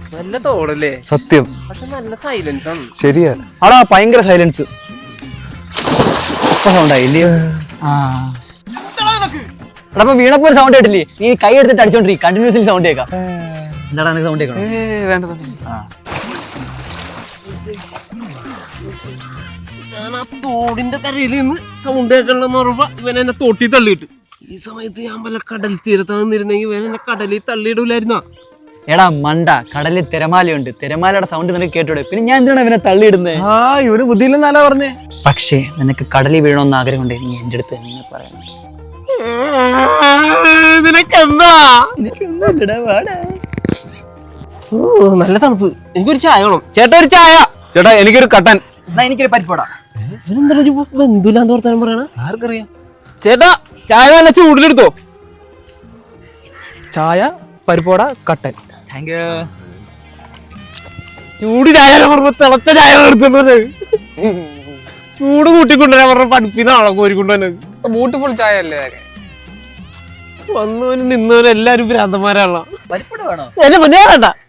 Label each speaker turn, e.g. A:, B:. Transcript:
A: നല്ല തോടല്ലേ?
B: സത്യം.
A: പക്ഷെ നല്ല സൈലൻസ് ആണ്.
B: ശരിയാ. ആടാ ഭയങ്കര സൈലൻസ്. സൗണ്ടായില്ലേ?
C: എടാ വീണപ്പോ ഒരു സൗണ്ട് കേട്ടില്ലേ? നീ കൈ എടുത്തിട്ട് അടിച്ചോണ്ടിരി, കണ്ടിന്യൂസ്ലി സൗണ്ട് കേൾക്കാം. എന്താടാ നിനക്ക് സൗണ്ട് കേൾക്കണം?
A: ഞാൻ ആ തോടിന്റെ കരയിൽ നിന്ന് സൗണ്ട് കേൾക്കണമെന്ന് പറയുമ്പോ ഇവൻ എന്നെ തോട്ടി തള്ളിയിട്ട്. ഈ സമയത്ത് ഞാൻ വല്ല കടൽ തീരത്ത് നിന്നിരുന്നെങ്കിൽ ഇവൻ എന്നെ കടലിൽ തള്ളിയിടൂലായിരുന്നോ?
C: എടാ മണ്ട, കടലിൽ തിരമാലയുണ്ട്, തിരമാലയുടെ സൗണ്ട് നിനക്ക് കേട്ടോടെ. പിന്നെ ഞാൻ എന്തിനാണ് ഇവനെ തള്ളിയിടുന്നത്?
B: ഇവന് ബുദ്ധിയില്ലെന്നല്ല പറഞ്ഞേ.
C: പക്ഷേ നിനക്ക് കടലിൽ വീഴണമെന്ന് ആഗ്രഹമുണ്ട്, നീ എന്റെ അടുത്ത് തന്നെ പറയണം.
A: നിനക്കെന്താ? നല്ല തണുപ്പ്. എനിക്കൊരു ചായ വേണം ചേട്ടാ. ഒരു ചായ
B: ചേട്ടാ. എനിക്കൊരു കട്ടൻ.
C: എനിക്കൊരു പരിപ്പോടാ.
A: ഇവനെന്താ ബന്ധുലാന്ന് വർത്താനം പറയണ?
B: ആർക്കറിയാം?
A: ചേട്ടാ ചായ നല്ല ചൂടിലെടുത്തോ.
B: ചായ, പരിപ്പോട, കട്ടൻ.
C: Thank you.
A: ചൂട് ചായ പറഞ്ഞ തിളച്ച ചായ എടുത്തുള്ളത്. ചൂട് കൂട്ടിക്കൊണ്ടുവരാൻ പറഞ്ഞ പഠിപ്പിന്നാണോ കോരിക്കൊണ്ടുവന്നത്?
B: ബ്യൂട്ടിഫുൾ ചായ അല്ലേ?
A: വന്നവനും നിന്നവനും എല്ലാരും ഭ്രാന്തന്മാരാണല്ലോ.
C: പരിപ്പോട വേണോ?
A: എന്നെ വേണ്ട.